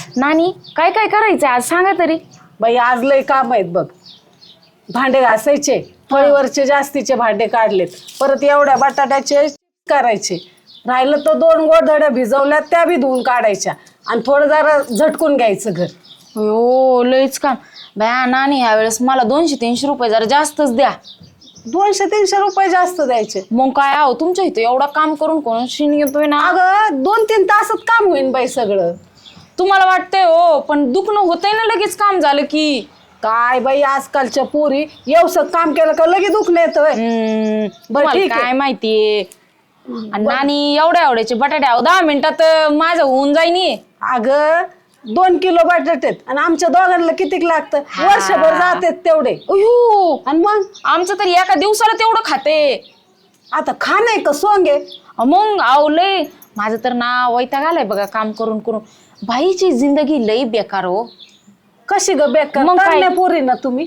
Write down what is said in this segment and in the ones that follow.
नानी काय काय करायचंय आज सांगा तरी. बाई आज लय काम आहेत बघ. भांडे घासायचे, फळीवरचे जास्तीचे भांडे काढलेत, परत एवढ्या बटाट्याचे करायचे. राहिलं तर 2 गोधड्या भिजवल्या त्या बी धुवून काढायच्या आणि थोडं जरा झटकून घ्यायचं घर. हो लयच काम बया. नानी ह्या वेळेस मला 200-300 रुपये जरा जास्तच द्या. 200-300 रुपये जास्त द्यायचे. मग काय आहो तुमच्या इथे एवढा काम करून कोण शिन येतोय ना. अगं 2-3 तासात काम होईन बाई सगळं. तुम्हाला वाटतंय हो, पण दुखणं होतंय ना लगेच काम झालं की. काय बाई आजकालच्या पोरी एवढं काम केलं का लगेच दुखणं येतोय. बरं तुम्हाला ठीक आहे. काय माहितीये. आणि नानी एवढ्याचे बटाटे आहो 10 मिनिटात माझं होऊन जाईनी. अगं 2 किलो बटाटे आहेत आणि आमच्या दोघांना कितीक लागतं, वर्षभर जातात तेवढे. अयो आणि मग आमचं तरी एका दिवसाला तेवढं खाते. आता खाणं आहे का सोंग आहे. मग आव लय माझं तर ना वैताग आलाय बघा काम करून करून. बाईची जिंदगी लई बेकार हो. कशी ग बेकार मग काय? पोरी ना तुम्ही.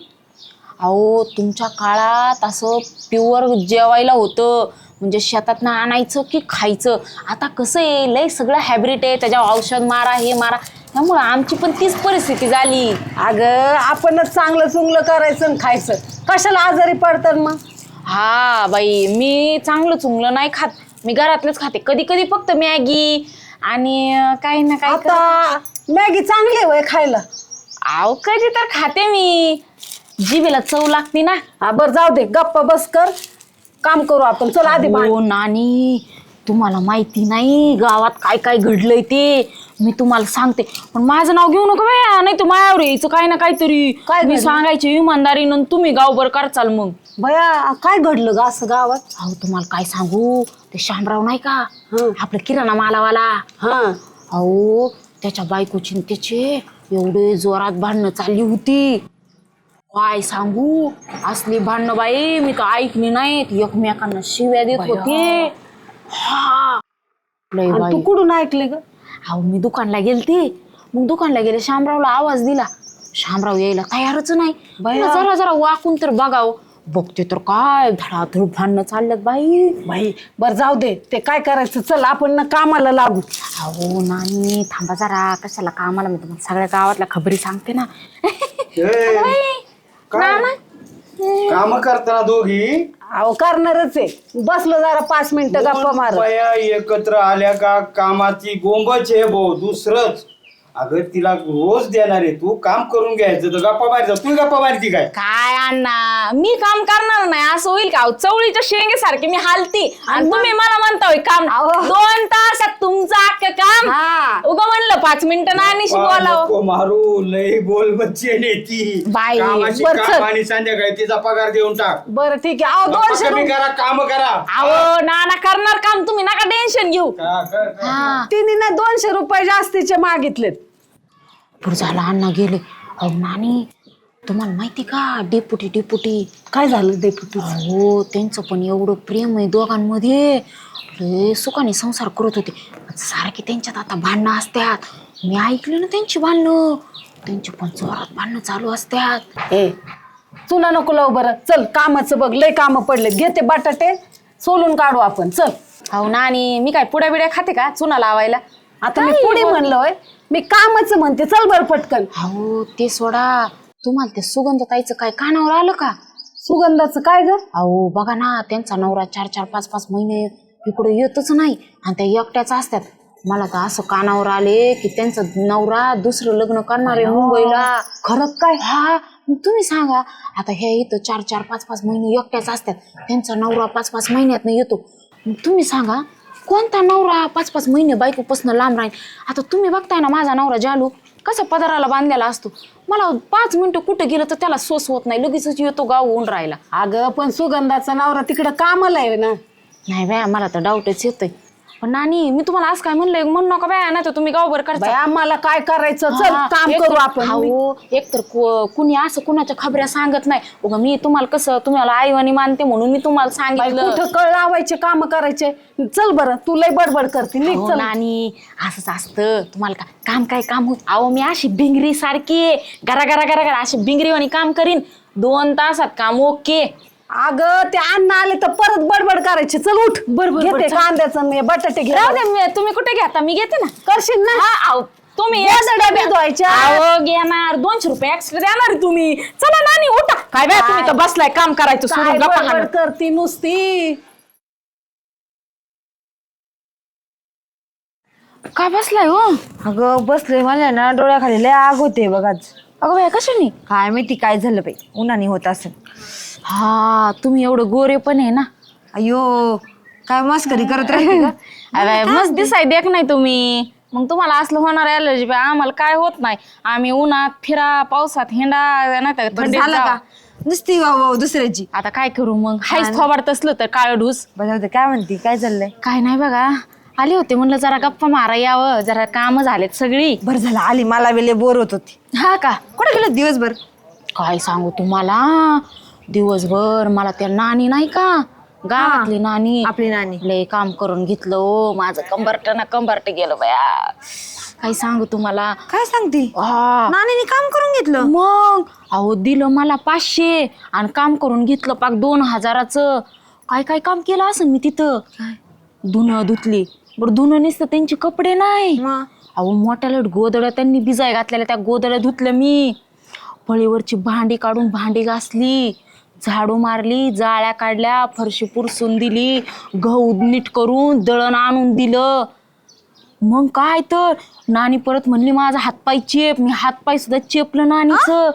अहो तुमच्या काळात असं प्युअर जेवायला होतं, म्हणजे शेतातनं आणायचं की खायचं. आता कसं आहे लय सगळं हॅबिट आहे, त्याच्यावर औषध मारा हे मारा, त्यामुळं आमची पण तीच परिस्थिती झाली. अगं आपणच चांगलं चुंगलं करायचं आणि खायचं, कशाला आजारी पडतात मग. हा बाई मी चांगलं चुंगलं नाही खात, मी घरातलंच खाते. कधी कधी फक्त मॅगी आणि काही ना काही. आता मॅगी चांगली आहे वय खायला. अहो कधी तर खाते मी, जिभेला चव लागते ना. हा बरं जाऊ दे, गप्पा बस कर, काम करू आपण. चल आधी हो नानी तुम्हाला माहिती नाही गावात काय काय घडलंय ते मी तुम्हाला सांगते, पण माझं नाव घेऊ नका बाया, नाही तर मायावर यायचं काय ना काहीतरी. काय मी सांगायची इमानदारीनं, तुम्ही गावभर करचाल मग. भया काय घडलं ग असं गावात. अहो तुम्हाला काय सांगू, ते शामराव नाही का आपलं किराणा मालावाला. हा अहो त्याच्या बायकोची त्याचे एवढे जोरात भांडणं चालली होती. काय सांगू असली भांडणं बाई मी तर ऐकली नाहीत. एकमेकांना शिव्या देत होते. हा लय आणि बाई. तू कुठून ऐकले ग. अहो मी दुकानला गेलते, मग दुकानला गेले शामरावला आवाज दिला. शामराव यायला तयारच नाही. जरा जरा वाकून तर बघावं, बघते तर काय धडाधड भांडणं चालल्यात बाई. बाई बरं जाऊ दे, ते काय करायचं, चल आपण ना कामाला लागू. अहो नानी थांबा जरा, कशाला कामाला, मी तुम्हाला सगळ्या गावातल्या खबरी सांगते ना. काम करताना दोघी अहो करणारच आहे, बसलो जरा 5 मिनिटं गप्पा मार. बाया एकत्र आल्या का कामाची गोंबच आहे भाऊ, दुसरंच. अगं तिला रोज देणार आहे, तू काम करून घ्यायचं तर गप्पा मारायचं. तू गप्पा मारती काय. काय अण्णा मी काम करणार नाही असं होईल का. चवळीच्या शेंगे सारखी मी हालती आणि तुम्ही मला म्हणता काम. 2 तासात तुमचं अख्खं काम. उगा म्हणलं 5 मिनिटं नानीशी बोलावं. मारू लय बोल बच्चे ती बाई, कामाची बरं, काम आणि संध्याकाळी तिचा पगार देऊन टाक. बरं ठीक आहे. अहो 200 कमी करा, काम करा. अहो नाना करणार काम, तुम्ही नका टेन्शन घेऊ. तिने ना 200 रुपये जास्तीचे मागितलेत. पुढे झाला अण्णा गेले. अहो नानी तुम्हाला माहिती का डेपुटी काय झालं डेपुटी. हो त्यांचं पण एवढं प्रेम आहे दोघांमध्ये, लय सुखाने संसार करत होते. सारखे त्यांच्यात आता भांडणं असतात. मी ऐकले ना त्यांची भांडणं, त्यांची पण जोरात भांडणं चालू असतात. ए चुना नको लावू, बरं चल कामाचं बघ, लय कामं पडलेत. घेते बटाटे सोलून काढू आपण, चल. अहो नानी मी काय पुड्या बिड्या खाते का चुना लावायला. आता मी पुढे म्हणलं होय, मी कामाचं म्हणते, चल बरं पटकन. अहो ते सोडा, तुम्हाला ते सुगंधताईचं काय कानावर आलं का. सुगंधाचं काय ग. अहो बघा ना त्यांचा नवरा 4-4, 5-5 महिने इकडे येतच नाही आणि त्या एकट्याच असतात. मला तर असं कानावर आले की त्यांचा नवरा दुसरं लग्न करणार आहे मुंबईला. खरं काय. हा मग तुम्ही सांगा आता, हे इथं 4-4, 5-5 महिने एकट्याच असतात, त्यांचा नवरा 5-5 महिन्यात येतो. मग तुम्ही सांगा कोणता नवरा 5-5 महिने बायकोपासून लांब राहील. आता तुम्ही बघताय ना माझा नवरा जालू कसा पदराला बांधलेला असतो. मला 5 मिनिटं कुठं गेलं तर त्याला सोस होत नाही, लगेचच येतो गाव होऊन राहिला. अगं पण सुगंधाचा नवरा तिकडं कामाला आहे ना. नाही बाया मला तर डाऊटच येतोय. पण नानी मी तुम्हाला आज काय म्हणलंय म्हणू नका बाया, नाही तर तुम्ही गावभर करता. आम्हाला काय करायचं, चल काम करू आपण. हो एकतर कुणी असं कुणाच्या खबऱ्या सांगत नाही. उगा मी तुम्हाला कसं तुम्हाला आईवानी मानते म्हणून मी तुम्हाला सांगितलं. कुठं कळ लावायचे, काम करायचे. चल बरं, तू लय बडबड करते. हो नानी असंच असतं. तुम्हाला काम काय काम होत. अहो मी अशी भिंगरी सारखी गरा गरा गरा गरा अशी भिंगरीवाणी काम करीन. 2 तासात काम ओके. अगं ते अन्न आले तर परत बडबड करायची. चल उठ, घेते कांद्याचं बटाटे घे. राहू दे तुम्ही कुठे घ्या, मी घेते ना. करशील ना. हा तुम्ही गोधड्या भिजवायच्या. अहो घेणार 200 रुपये एक्स्ट्रा देणार आहे तुम्ही. चला नानी उठा. काय बाय तुम्ही तर बसलाय काम करायचं काय सोडून गप्पा बडबड हाणत. करती नुसती. काय बसलाय हो? अगं बसले मला ना डोळ्याखाली लय आग होते बघ आज. अगं बाय कशाने? काय माहिती काय झालं बाई, उन्हाने होत असेल. हा तुम्ही एवढं गोरे पण आहे ना. अयो काय मस्करी करत राहते का? अरे मस्त दिसाय देख नाही तुम्ही. मग तुम्हाला असलं होणार ॲलर्जी बाय, आम्हाला काय होत नाही. आम्ही उन्हात फिरा, पावसात हिंडा, नाही तर बरं थंडीत झालं जा. का नुसती वाव दुसऱ्याची. आता काय करू मग, हायच थोबाड तसलं तर काळ ढूस. बजावते काय म्हणती, काय चाललंय? काय नाही बघा, आले होते म्हणलं जरा गप्पा मारा यावं, जरा काम झालेत सगळी. बरं झालं आली, मला वेळे बोर होत होती. हा का? कुठे गेलं दिवसभर? काय सांगू तुम्हाला, दिवसभर मला त्या नानी नाही का, गावातली नानी, आपली नानी लय काम करून घेतलं हो. माझं कंबरट ना कंबरट गेलं बया. काय सांगू तुम्हाला. काय सांगती? हा नानीने काम करून घेतलं? मग अहो दिलं मला 500 आणि काम करून घेतलं पाक 2000चं. काय काय काम केलं असं मी तिथं. धुणं धुतली. बरं धुणं नुसतं त्यांचे कपडे नाही, मग? अहो मोठ्या लट गोदड्या त्यांनी बिजाय घातलेल्या, त्या गोदड्या धुतल्या मी. फळीवरची भांडी काढून भांडी घासली, झाडू मारली, जाळ्या काढल्या, फरशी पुरसून दिली, गहू नीट करून दळण आणून दिलं. मग काय तर नानी परत म्हणली माझा हातपाय चेप. मी हातपाय सुद्धा चेपलं नानीचं.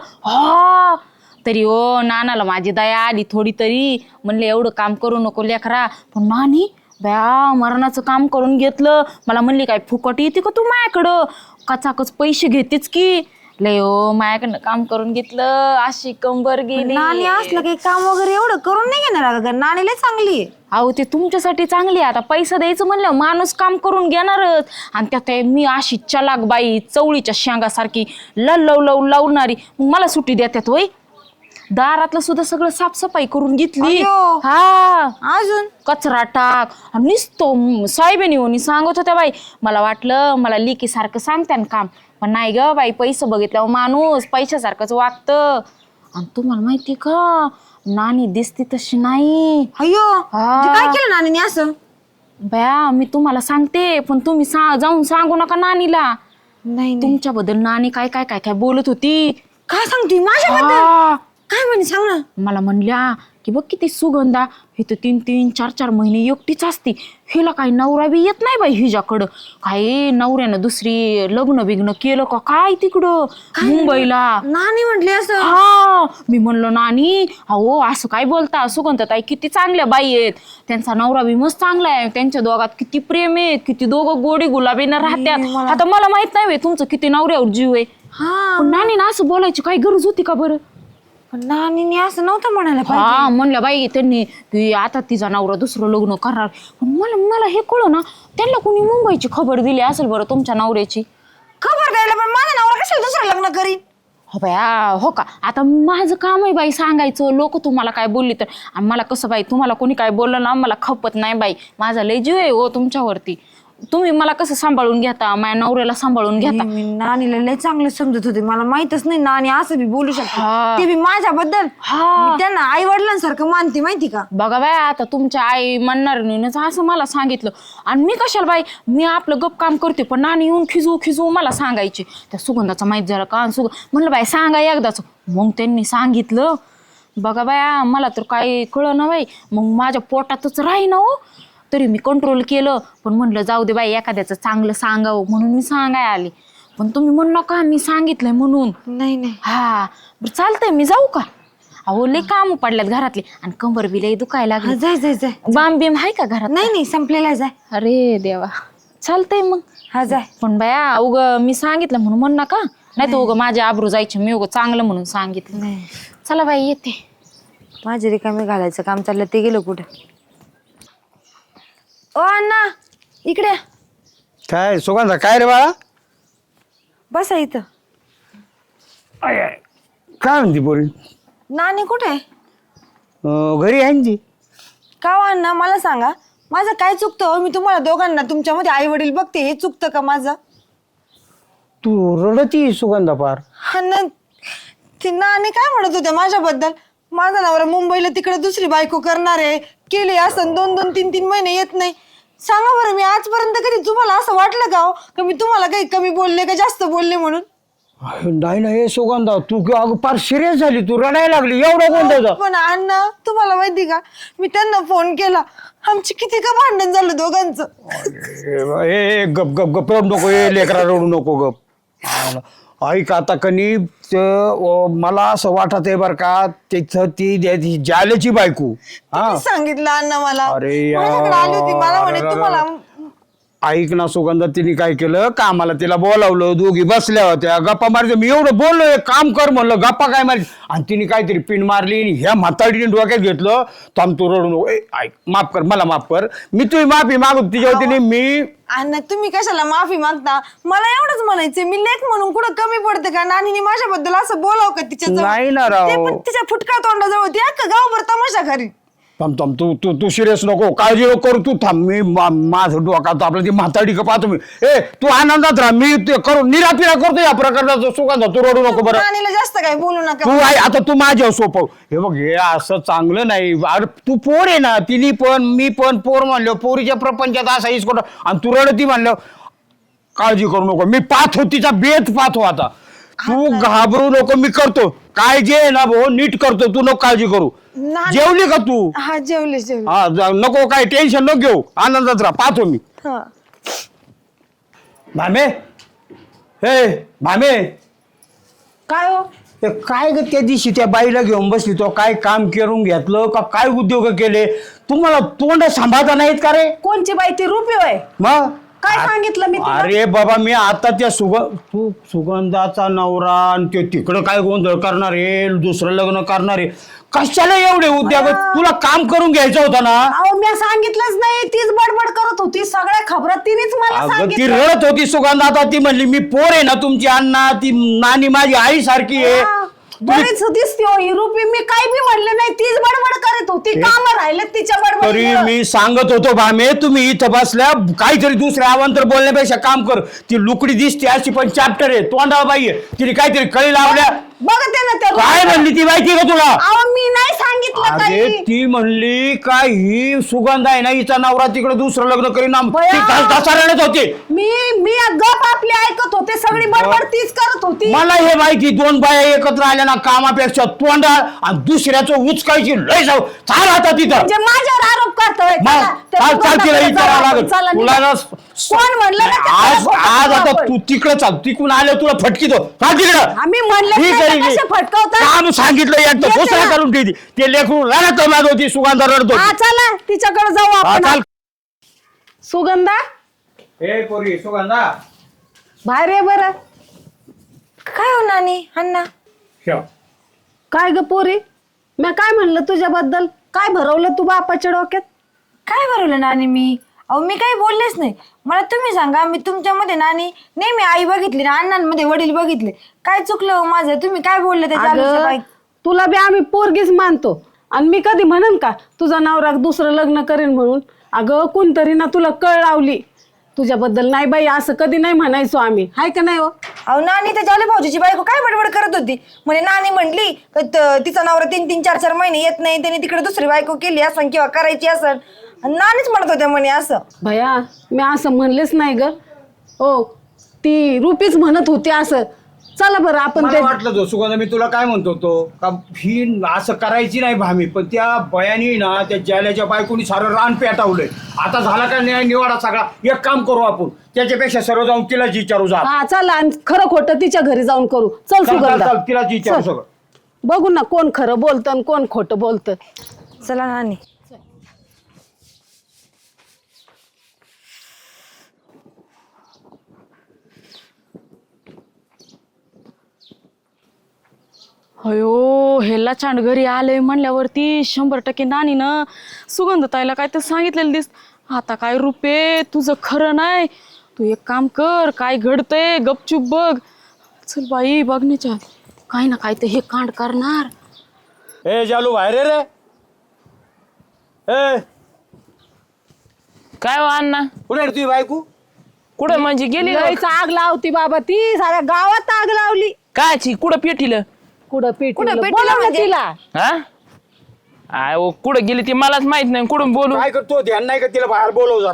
हा तरी ओ नानाला माझी दया आली थोडी तरी. म्हणले एवढं काम करू नको लेकरा. पण नानी बया मरणाचं काम करून घेतलं. मला म्हणली काय फुकट येते का तू माझ्याकडं, कचाकच पैसे घेतेच की. लय ओ माझ्याकडनं काम करून घेतलं, अशी कंबर गेली. नानी असलं काही काम वगैरे एवढं करून नाही घेणार अगं, नानी लय चांगली आहे. अहो ते तुमच्यासाठी चांगली आहे. आता पैसा द्यायचं म्हणलं माणूस काम करून घेणारच. आणि त्यात मी अशी चलाक बाई, चवळीच्या शेंगासारखी लावणारी. मग मला सुट्टी देतात होय. दारातलं सुद्धा सगळं साफसफाई करून घेतली. अय्यो. हा अजून कचरा टाक आणि नुसतं साहेबांनी होणी सांगत होत्या बाई. मला वाटलं मला लिकी सारखं सांगते ना काम, पण नाही ग बाई, पैसे बघितल्यावर माणूस पैशासारखंच वागतं. आणि तुम्हाला माहिती का, नानी दिसती तशी नाही. अयो हा. म्हणजे काय केलं नानीने असं? बया मी तुम्हाला सांगते, पण तुम्ही जाऊन सांगू नका नानीला. नाही तुमच्याबद्दल नानी काय काय काय काय बोलत होती. काय सांगते माझ्याबद्दल? हा. काय म्हणे सांग ना. मला म्हणल्या की बघ किती सुगंधा, हे तर 3-3, 4-4 महिने एकटीच असती. हिला काही नवरा बी येत नाही बाई हिच्याकडं. काय नवऱ्यानं दुसरी लग्न बिग्न केलं का काय तिकडं मुंबईला. नानी म्हटली असं? हा मी म्हणलं नानी अहो असं काय बोलता, सुगंधताई किती चांगल्या बाई आहेत, त्यांचा नवरा बी मस्त चांगला आहे, त्यांच्या दोघात किती प्रेम आहे, किती दोघं गोडी गुलाबीनं राहत्यात. आता मला माहित नाही तुमचं किती नवऱ्यावर जीव आहे. हा पण नानी ना असं बोलायची काही गरज होती का बरं? पण नानीने असं नव्हतं म्हणायला पाहिजे. हा म्हणलं बाई त्यांनी की आता तिचा नवरा दुसरं लग्न करणार. पण मला हे कळलं ना, त्यांना कोणी मुंबईची खबर दिली असेल बरं तुमच्या नवऱ्याची. खबर द्यायला पण माझा नवरा कशाला दुसरं लग्न करीन? हो बया हो का, आता माझं काम आहे बाई सांगायचं. लोक तुम्हाला काय बोलली तर, आणि मला कसं बाई तुम्हाला कोणी काय बोललं ना मला खपत नाही बाई. माझा लय जीव आहे हो तुमच्यावरती. तुम्ही मला कसं सांभाळून घेता, माझ्या नवऱ्याला सांभाळून घेता. मी नानीला लय चांगलं समजत होते, मला माहितच नाही नानी असं बी बोलू शकते. हा. ते बी माझ्याबद्दल. हा. मी त्यांना आई वडिलांसारखं मानते माहिती का. बघा बाय आता तुमच्या आई म्हणणार नाही असं मला सांगितलं. आणि मी कशाला बाई, मी आपलं गप काम करते, पण नानी येऊन खिजू मला सांगायची त्या सुगंधाचा माहित झाला का. म्हणलं बाई सांगा एकदाच. मग त्यांनी सांगितलं. बघा बाया मला तर काही कळलं ना बाई. मग माझ्या पोटातच राही ना हो. तरी मी कंट्रोल केलं, पण म्हणलं जाऊ दे बाई एखाद्याचं चांगलं सांगावं म्हणून मी सांगाय आली. पण तुम्ही म्हणू नका मी सांगितलंय म्हणून. नाही हा बरं चालतंय, मी जाऊ का? अहो लय काम पडल्यात घरातले आणि कंबर बी लय दुखायला लागली. जाय बाम बिम आहे का घरात? नाही संपलेला जाय. अरे देवा चालतंय मग. हा जाय. पण बाया उग मी सांगितलं म्हणून म्हण नका, नाही तर उग माझे आबरू जायचे. मी उग चांगलं म्हणून सांगितलं. नाही चला बाई येते. माझे रिकामे घालायचं काम चाललं, ते गेलं कुठं? ओ अण्णा इकडे या. काय सुगंधा काय रे बाळा? बसा इथं. काय म्हणते पोरी? नानी कुठे? घरी आहे ना ती. का हो अण्णा मला सांगा, माझं काय चुकतं हो? मी तुम्हाला दोघांना तुमच्यामध्ये आई वडील बघते, हे चुकतं का माझं? तू रडती सुगंधा पार. हा ना, ती नानी काय म्हणत होत्या माझ्याबद्दल, माझा नवरा मुंबईला तिकडे दुसरी बायको करणार आहे, केली असं 2-2, 3-3 महिने येत नाही. सांगा बरं, मी आजपर्यंत कधी तुम्हाला असं वाटलं का हो का मी तुम्हाला काही कमी बोलले का जास्त बोलले म्हणून? नाही नाही सुगंधा तू अगं फार सिरियस झाली, तू रडायला लागली, एवढं गोंधळ. पण अण्णा तुम्हाला माहिती का, मी त्यांना फोन केला, आमची किती का भांडण झालं दोघांचं. ए गप गप गप रडू नको, ए लेकरा रडू नको गप. ऐक आता कनी मला असं वाटत आहे बरं का, तिथं ती जालेची बायको. हा सांगितलं अण्णा मला, अरे माझ्याकडे आली होती, मला म्हणे यार. तुम्हाला. ऐक ना सुगंधा, तिने काय केलं कामाला तिला बोलावलं, दोघी बसल्या होत्या गप्पा मारते. मी एवढं बोललो एक काम कर म्हणलं, गप्पा काय मारली, आणि तिने काहीतरी पिन मारली आणि ह्या म्हातारीने डोक्यात घेतलं. थांब तू रडू नको, ऐक माफ कर, मला माफ कर, मी तुझी माफी मागू तिच्या वतीने. मी अण्णा तुम्ही कशाला माफी मागता? मला एवढंच म्हणायचं, मी लेख म्हणून कुठं कमी पडते का? नानीने माझ्याबद्दल असं बोलाव का तिच्या नाही ना राव. ते पण तिच्या फुटका तोंडाजवळ होती, अख्खा गावभर तमाशा घरी. थांब थांब, तू सिरियस नको, काळजी नको करू तू. थांब, मी माझं डोकात आपलं ती म्हातारी का पाहतो मी. ए तू आनंदात राहा, मी ते करू निरापिरा करतो या प्रकारचा. सुगंधा तू रडू नको बरं. नानीला जास्त काय बोलू नका. तू आहे आता, तू माझ्या सोपव. हे बघ, हे असं चांगलं नाही. अरे तू पोर आहे ना, तिने पण मी पण पोर म्हणलो, पोरीच्या प्रपंचात असा इसकोट, आणि तू रडती म्हणलं. काळजी करू नको, मी पाहतो तिचा बेत पाहतो आता. तू घाबरू नको, मी करतो काय जे आहे ना भाऊ नीट करतो, तू नको काळजी करू. जेवली का तू? हा जेवले. हा नको, काय टेन्शन नको घेऊ, आनंदात राहा, पाहतो मी. हा भामे, हे भामे, काय हो? ते काय ग त्या दिवशी त्या बाईला घेऊन बसली, तो काय काम करून घेतलं का, काय उद्योग केले? तुम्हाला तोंड सांभाळता नाहीत का रे? कोणची बाई ती रुपी होय? मग काय सांगितलं मी तुला? अरे बाबा, मी आता त्या तू सुगंधाचा नवरा आणि ते तिकडं काय गोंधळ करणार आहे, दुसरं लग्न करणार आहे, कशाला एवढे उद्योग? तुला काम करून घ्यायचं होतं ना. अहो मी सांगितलंच नाही, तीच बडबड करत होती, सगळ्या खबरं तिनेच मला अगं ती सांगितलं. रडत होती सुगंधा, आता ती म्हणली मी पोर आहे ना तुमची अण्णा, ती नानी माझी आई सारखी आहे. हा, बरीच दिसते हो ही रुपी, मी काही बी म्हणले नाही, तीच बडबड करत होती, काम राहिले तिच्या तरी बडबड. मी सांगत होतो भामे, तुम्ही इथं बसल्या काहीतरी दुसऱ्या अवांतर बोलण्यापेक्षा काम कर. ती लुकडी दिसते अशी पण चॅप्टर आहे, तोंडाला बाई आहे, तिने काहीतरी कळी लावल्या. बघते ना ते काय म्हणली ती माहिती का तुला? अहो मी नाही सांगितलं अरे काही. ती म्हणली काय ही सुगंध आहे ना, हिचा नवरा तिकडे दुसरं लग्न करीन. बया. रडत होते. मी गप आपली ऐकत होते, सगळी बडबड तीच करत होती. मला हे माहिती, दोन बाया एकत्र आल्या ना कामापेक्षा तोंडा आणि दुसऱ्याचं उचकायची लय जाऊ. चाल आता तिथं. म्हणजे माझ्यावर आरोप करतोय. मग चाल तिला विचारावं लागत तुला ना. कोण म्हणलं ना ते आज खोटं आज आता आपण? तू तिकडे चाल, तिकडून आलं तुला फटकी दो. चाल तिकडं. आम्ही म्हणले ठीक नाही आहे, तर कसे फटकवतात? काम सांगितलं एकदा येते घोषणा ना. करून ठेवली. ते लेकरू रडत होती, सुगंधा रडत हा होती. चला तिच्याकडे जाऊ हा, आपण. चाल. सुगंधा ए पोरी सुगंधा, बाहेर ये बरं. काय हो नानी अण्णा? ठेव. काय ग पोरी, मी काय म्हणलं तुझ्याबद्दल? काय भरवलं तू बापाच्या डोक्यात? काय भरवलं नानी मी? अहो मी काही बोललेच नाही. मला तुम्ही सांगा, मी तुमच्यामध्ये नानी नेहमी आई बघितली ना, अण्णांमध्ये वडील बघितले. काय चुकलं हो माझं? तुम्ही काय बोलले त्याच्या अगं, आलोच्या बाई? तुला बी आम्ही पोरगीच मानतो, आणि मी कधी म्हणन का तुझा नवरा दुसरं लग्न करेन म्हणून? अगं कोणतरी ना तुला कळ लावली तुझ्याबद्दल. नाही बाई असं कधी नाही म्हणायचो आम्ही, हाय का नाही हो? अहो नानी त्याच्या आले भाऊजीची बायको काय बडबड करत होती. म्हणे नानी म्हटली तिचा नवरा 3-3, 4-4 महिने येत नाही, त्याने तिकडे दुसरी बायको केली असं किंवा करायची असं. नानीच म्हणत होत्या म्हणे असं. भया मी असं म्हणलेच नाही ग. ओ ती रुपीच म्हणत होती असं. चला बरं आपण मला ते वाटलं तो सुगंधा, मी तुला काय म्हणतो तो का ही असं करायची नाही भामी, पण त्या बयानी ना त्या जाल्याच्या बायकोनी सारं रान पेटावलंय. आता झाला का न्याय निवाडा सगळा. एक काम करू आपण, त्याच्यापेक्षा सर्व जाऊन तिलाच विचारू. जा हा चला, आणि खरं खोटं तिच्या घरी जाऊन करू. चल सुगंधा, तिलाच विचारू चल. सगळं. बघू ना कोण खरं बोलतं आणि कोण खोटं बोलतं. चला नानी. अयो हेला छान घरी आलंय म्हणल्यावरती 100% नानीनं सुगंधताईला काय तर सांगितलेलं दिस. आता काय रुपे तुझं खरं नाही, तू एक काम कर, काय घडतंय गपचूप बघ. चल बाई बघण्याच्या काय ना काय तर हे कांड करणार. ए जालू बाहेर ये रे. ए काय हो अण्णा? कुठे आहे तुझी बायको? कुठं म्हणजे गेली का? लयच आग लावती बाबा ती, साऱ्या गावात आग लावली. कायची कुठं पेटीलं? कुठं कुठं पेटी पेटीला म्हणजे? तिला. हा आय ओ कुठं गेली ती मलाच माहित नाही, कुठून बोलू? काय करतो ध्यान नाही का तिला? बाहेर बोलव जरा.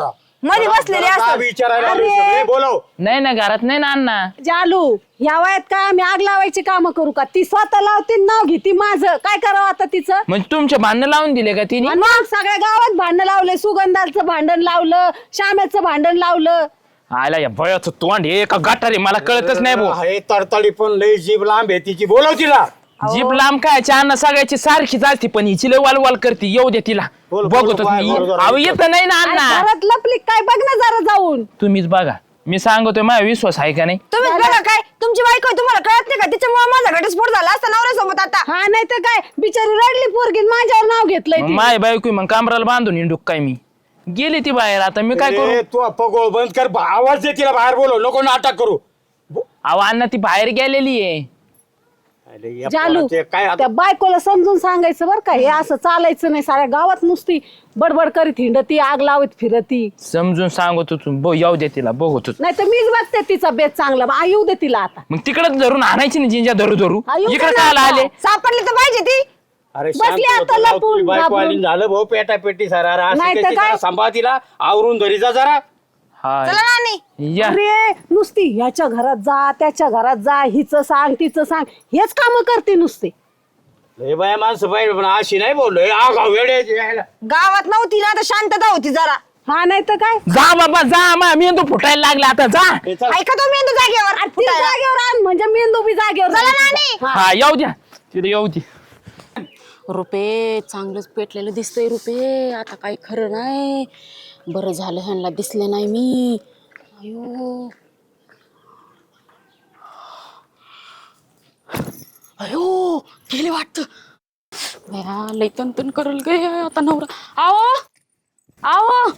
मध्ये बसलेले असतात. विचारायला आलोय सगळे, बोलव. नाही ना घरात नाही ना अण्णा. जालू ह्या वयात काय आम्ही आग लावायची कामं करू का? ती स्वतः लावते नाव घेते माझं. काय करावं आता तिचं? म्हणजे तुमचे भांडण लावून दिले का तिने? आणि मग सगळ्या गावात भांडण लावले. सुगंधाचं भांडण लावलं, श्याम्याचं भांडण लावलं. आला या भयाचं तोंड हे का गटारे मला कळतच नाही भाऊ. हे तडतडी पण लई जीभ लांब आहे तिची, बोलव तिला. जीभ लांब काय अण्णा सगळ्याची सारखीच असते पण हिची लय वाल करते. येऊ दे तिला बोल, बघतो बोल, मी. बोल, बोल, अहो येत नाही ना अरे अण्णा. घरात लपली काय बघ ना जरा जाऊन. तुम्हीच बघा. मी सांगतोय माझा विश्वास आहे का नाही? तुम्ही बघा काय तुमची बायको आहे, तुम्हाला कळत नाही का? तिच्यामुळे माझा घटस्फोट झाला असता नवऱ्यासोबत आता. हा नाही तर काय बिचारी रडली पोरगी माझ्यावर नाव घेतलंय मग ती. माय बायको मग कामराला बांधून हिंडूक काय मी? गेली ती बाहेर आता मी काय करू? ए, तू पगोळ बंद कर, आवाज दे तिला, बाहेर बोलव, नको नाटक करू. अहो अण्णा ती बाहेर गेलेली आहे. अरे, या जालू पोराचे काय आता- त्या बायकोला समजून सांगायचं बरं का, हे असं चालायचं नाही. साऱ्या गावात नुसती बडबड करीत हिंडती, आग लावत फिरती. समजून सांगतो तू येऊ दे तिला बघतो. नाही तर मीच बघते तिचा बेत चांगला. येऊ दे तिला आता. मग तिकडच धरून आणायची ना जिंजा धरू धरू. येऊ दे इकडे ना काय आता. आले? सापडली तर पाहिजे ती. अरे बसली शांत आता होतो, जाऊ, लपून, तुझी बायको घाबरून. आली, झालं भाऊ पेटा पेटी सारा. अरे, असं नाही तर त्याची काय? जरा सांभाळ तिला, आवरून धरी जा जरा. हा चला नानी. या अरे नुसती ह्याच्या घरात जा, त्याच्या घरात जा, हिचं सांग तिचं सांग, हेच काम करते नुसते. लय बाया माणसं पाहिजे पण अशी नाही बोललो. आगाव वेडे यायला. गावात नव्हती ना तर शांतता होती जरा. हा नाही तर काय. जा बाबा जा मा मेंदू फुटायला लागला आता जा. हे चल. ऐका तो मेंदू जागेवर ती फुटायला. जागेवर आण म्हणजे मेंदू बी जागेवर चला राहील नानी. तिचा. हा. हा येऊ द्या तिथे येऊ दे. रुपे चांगलंच पेटलेलं दिसतंय रुपे. आता काही खरं नाही. बरं झालं ह्यांना दिसले नाही मी. अयो अयो गेले वाटत. लई तन करल गे आता नवरा. आओ आओ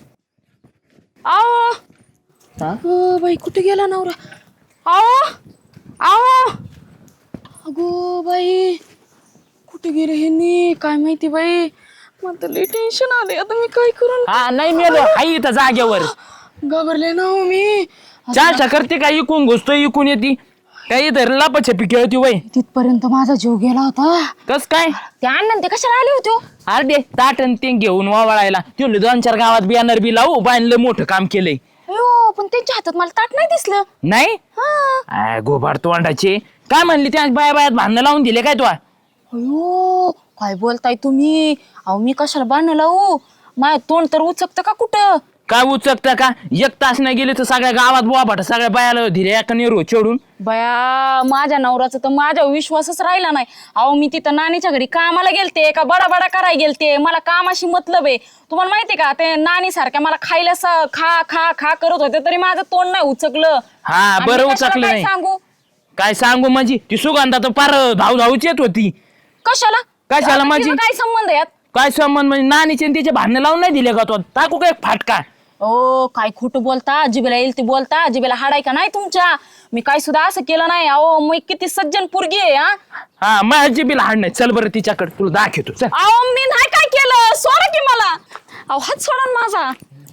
आओ बाई कुठे गेला नवरा? आओ आओ अगो बाई कुठे गेले हे काय माहिती बाई. मला तर लई टेन्शन आले आता. मी काय करून हा नाही मेलो आई इथं जागेवर घाबरले ना हो मी. चालता करते काय इकून घुसतोय इकून येते काही धर लापाछपी खेळती वय. तिथपर्यंत माझा जीव गेला होता. कस काय? ते अण्णा ते कशाला आले होते हो? अरे ताटन ते घेऊन वावळायला ते 2-4 गावात बियाणर बी लावू बांधलं मोठं काम केलंय. अयो पण त्यांच्या हातात मला ताट नाही दिसलं. नाही हा. गोबार तोंडाचे काय म्हणली त्या बायात भांडणं लावून दिले काय तू? अयो काय बोलताय तुम्ही? अहो मी कशाला बांधणं लावू? माझं तोंड तर उचकतं का कुठं? काय उचकता का? 1 तास नाही गेले तर सगळ्या गावात बोबाटा सगळ्या बायाला धीरे एका नेरू चढून. बया माझ्या नवऱ्याचा तर माझ्यावर विश्वासच राहिला नाही. अहो मी तिथं नानीच्या घरी कामाला गेलते का बडा करायला गेलते. मला कामाशी मतलब आहे. तुम्हाला माहितीये का ते नानी सारख्या मला खायला खा खा खा करत होते तरी माझं तोंड नाही उचकलं. हा आणि बरं मी कशाला उचकलं काय नाही. सांगू काय सांगू म्हणजे ती सुगंधा तर पार धावूच येत होती. कशाला कशाला आता माझी? तिचं काय संबंध यात? काय संबंध म्हणजे नानीचे आणि तिचे भांडणं लावून नाही दिले का तो? टाकू काय फाटका? ओ काय खोटं बोलता. जिबेला येईल ते बोलता. जिबेला हाडाय का नाही तुमच्या? मी काय सुद्धा असं केलं नाही. अहो मी किती सज्जन पोरगी आहे. हा माझी बी लहान नाही. चल बरं तिच्याकडे तुला दाखवतो चल. अहो मी नाही काय केलं. सोडा की मला. अहो हात सोडा ना माझा.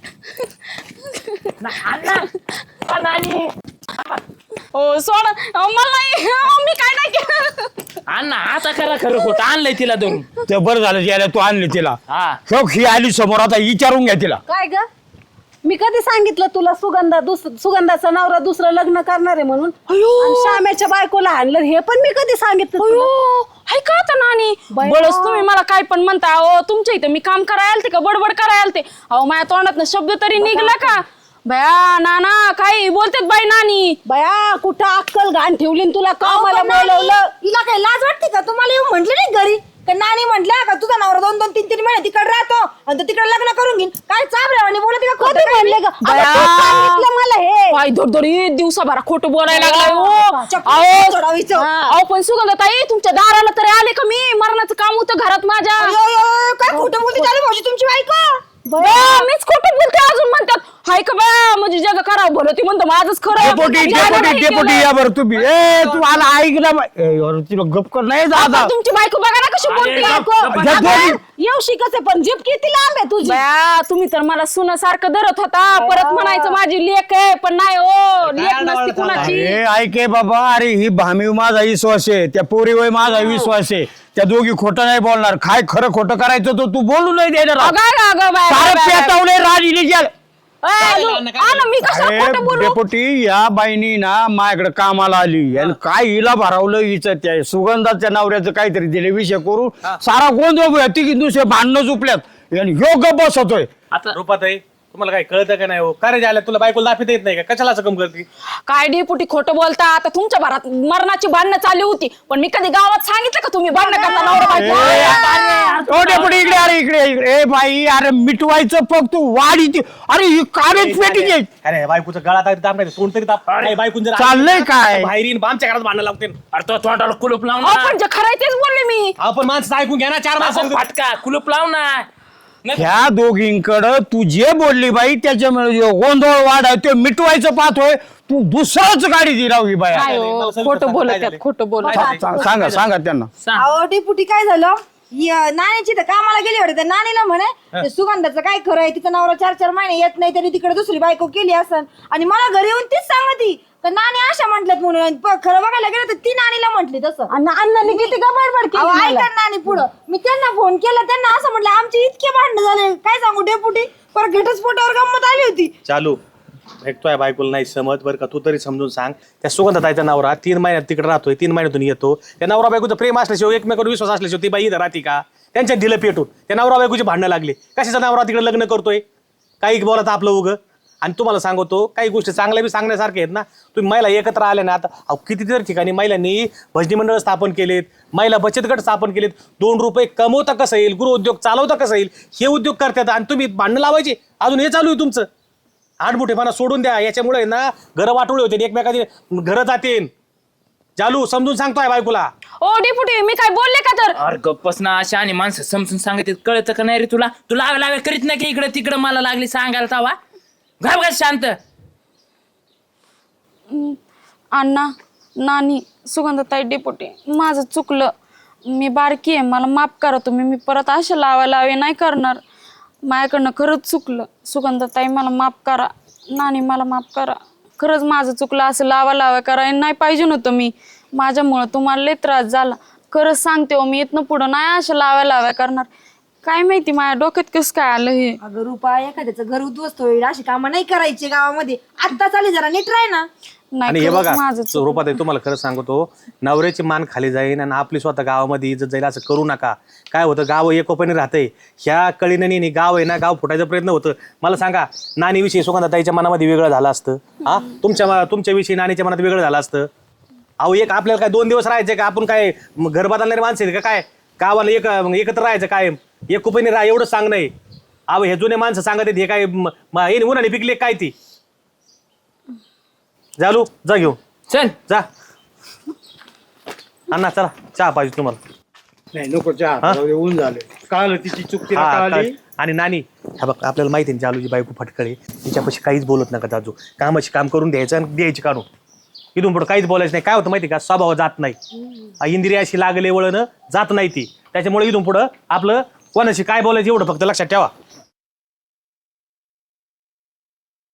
हो सोडा. अहो, मला नाही. अहो, मी काय नाही केलं. अण्णा आता करा खरं खोटं आणलंय तिला धरून. ते बरं झालं यायला तू आणली तिला. हा शोक ही आली समोर, आता विचारून घ्या तिला. काय ग मी कधी सांगितलं तुला सुगंधाचा नवरा दुसरं लग्न करणार आहे म्हणून? आणि श्याम्याच्या बायकोला आणलं हे पण मी कधी सांगितलं तुला? अयो हाय का आता नानी? बाया. बळच तुम्ही मला काय पण म्हणता. अहो तुमच्या इथं मी काम करायला आलते का बडबड करायला आलते? अहो माझ्या तोंडात शब्द तरी निघला का? बया नाना काही बोलतेत बाई नानी. बया कुठं अक्कल घाण ठेवली न तुला का मला पण नानी, बोलवलं? हिला काय लाज वाटते का? तुम्हाला येऊन म्हंटल नाही घरी का? नानी म्हटलं का तुझा नवरा 2-2, 3-3 महिने तिकडे राहतो आणि तो तिकडे लग्न करून घेईन. काय चाबऱ्यावानी बोलते का? खोटं कधी म्हणले ग? बया. अगं, तू सांगितलं मला हे. काय धडधडी दिवसाभरा खोटं बोलायला लागलाय हो. चप्पल सोडावीचं. अहो पण सुगंधताई तुमच्या दाराला तरी आले का मी? मरणाचं काम होतं घरात माझ्या. अयो, काय खोटं बोलते चालू भाऊजी तुमची बायको? बया, मीच खोटं बोलते अजून म्हणतात. हाय का बया म्हणजे जग करावं भलं ती म्हणतो माझंच खरं. डेपोटी या बरं तुम्ही. ए तू आला ऐक ना बाई. ए, अरे तिला गप कर नाही आता जाता. तुमची बायको बघा ना कशी बोलते. येऊ शिकच पण जीप किती लांब आहे तुझी. बया तुम्ही तर मला सुनासारखं धरत होता. परत म्हणायचं माझी लेक आहे पण नाही हो. लेक नसती कुणाची. अरे ऐके बाबा, अरे ही भामी माझा विश्वास आहे, त्या पोरीवर माझा विश्वास आहे. त्या दोघी खोटं नाही बोलणार. काय खरं खोटं करायचं तो तू बोलू नाही देणार. अगं, अगं, अगं, बाया, सारं बाया, बाया. पेटवलंय राज इलिजाल. मी कशा खोटं बोलू डेपुटी या बाईनी ना माझ्याकडे कामाला आली आणि काय हिला भरावलं हिचं त्या सुगंधाच्या नवऱ्याचं काहीतरी दिले विषय करून सारा गोंधळ तिघी दुसरे भांडणं झुपल्यात आणि ह्यो गप्प बसतोय. आता रूपात आहे तुम्हाला काय कळतं का नाही हो का रे झालं तुला बायकोला दाखवता येत नाही का कशाला असं कम करते काय डेपुटी खोटं बोलता आता तुमच्या घरात मरणाची भांडणं चालली होती पण मी कधी गावात सांगितलं का तुम्ही भांडणं करता नवरा बायको? ओ डेपुटी इकडे अरे इकडे ए बाई अरे मिटवायचं फक्त तू वाढी ती अरे ही कागद पेटी घे. अरे बायकोचं गळा दाब नाही तोंड तरी दाब बायकून जर चाललंय काय? बाहेरीन आमच्या घरात भांडणं लावते अरे तो तोंडाला कुलूप लाव अहो, ना पण जे खरंय तेच बोलले मी. आपण माणसं ऐकून घ्या ना 4 माणसं फाटका कुलूप लाव ना ह्या दोघींकडं तू जे बोलली बाई त्याच्यामुळे जो गोंधळ वाढ आहे ते मिटवायचं पाहतोय तू दुसरंच गाडी दिराव ही बाई. काय हो, खोटं बोलत आहेत, खोटं बोलत आहेत. सांगा त्यांना. अहो डेपुटी काय झालं नानीची तर कामाला गेली होती त्या नानीला म्हणे ते सुगंधाचं काय खरं आहे तिचा नवरा 4-4 महिने येत नाही तरी तिकडे दुसरी बायको केली असन आणि मला घरी येऊन तीच सांगती तर नानी अशा म्हटल्यात म्हणून खरं बघायला गेलं तर ती नानीला म्हटली तसं अण्णांनी किती का बडबड केली ऐका नानी पुढं मी त्यांना फोन केला त्यांना असं म्हटलं आमचे इतके भांडण झाले काय सांगू डेपुटी पर घटस्फोटावर गंमत आली होती. चालू भेटतोय बायकोला नाही समज बरं का तू तरी समजून सांग त्या सुगंधाताईचा नवरा 3 महिन्यात तिकडे राहतोय 3 महिन्यातून येतो त्या नवरा बायकोचं प्रेम असल्याशिवाय एकमेकांवर विश्वास असल्याशिवाय ती बाई इथं राहते का त्यांच्या ढिलं पेटून त्या नवरा बायकोची भांडणं लागली कशाचा नवरा तिकडे लग्न करतोय काही बोलत आपलं उगं आणि तुम्हाला सांगतो काही गोष्टी चांगल्या बी सांगण्यासारख्या आहेत ना तुम्ही महिला एकत्र आल्या ना आता कितीतरी ठिकाणी महिलांनी भजनी मंडळ स्थापन केलेत महिला बचत गट स्थापन केलेत 2 रुपये कमवता कसं येईल गृहउद्योग चालवता कसं येईल हे उद्योग करतात आणि तुम्ही भांडणं लावायचे अजून हे चालू आहे तुमचं आडमुठेपणा सोडून द्या याच्यामुळे ना घरं वाटोळे होते एकमेकाची घरं जातील चालू समजून सांगतोय बायकोला. ओ डेपुटी मी काय बोलले का तर अरे गप्पस ना अशा आणि माणसं समजून सांगत कळतं का नाही रे तुला तुला लावे करीत नाही की इकडे तिकडे मला लागली सांगायला तवा घाब घाल शांत. अण्णा नानी सुगंधताई डेपुटी माझं चुकलं मी बारकी आहे मला माफ करा तुम्ही मी परत अशा लावे नाही करणार माझ्याकडनं खरंच चुकलं सुगंधताई मला माफ करा नानी मला माफ करा खरंच माझं चुकलं असं लावा करायला नाही पाहिजे नव्हतं मी माझ्यामुळं तुम्हाला लय त्रास झाला खरंच सांगते हो मी इथनं पुढं नाही अशा लाव्या करणार काय माहिती माझ्या डोक्यात कसं काय आलं हे. अगं रुपा एखाद्याचं घर उद्ध्वस्त होईल अशी कामं नाही करायची गावामध्ये आता चाली जरा नीट राह ना. आणि नाही हे खरंच बघा माझं चुकलं. रूपात तुम्हाला खरं सांगतो नवऱ्याची मान खाली जाईल आणि आपली स्वतः गावामध्ये इज्जत जाईल असं करू नका. काय होतं गाव एकोपाने राहतंय ह्या कळीने गाव आहे ना गाव फुटायचा प्रयत्न होतं. मला सांगा नानीविषयी सुगंधाताईच्या मनामध्ये वेगळं झालं असतं हा तुमच्याविषयी नानीच्या मनात वेगळं झालं असतं. अहो एक आपल्याला काय 2 दिवस राहायचे का आपण काय घर बदलणारे माणसं आहेत का काय गावाला एकत्र राहायचं काय एकोपाने राहा एवढं सांग नाही. अहो हे जुने माणसं सांगत आहेत हे काय हे उन्हाने पिकले काय ती जालू जा घेऊन चल जा अण्णा चला चहा पाहिजे तुम्हाला. नाही नको चहा ऊन झाले कळालं तिची चूक तिला हा, कळाली. आणि नानी हा बघ आपल्याला माहिती आहे जालूची बायको फटकळे तिच्यापाशी काहीच बोलत नका जाजू कामाची काम करून द्यायचं आणि द्यायची काढून इथून पुढे काहीच बोलायचं नाही. काय होतं माहिती का स्वभाव जात नाही इंद्रिय अशी लागले वळण जात नाही ती त्याच्यामुळे इथून पुढं आपलं कोणाशी काय बोलायचं एवढं फक्त लक्षात ठेवा.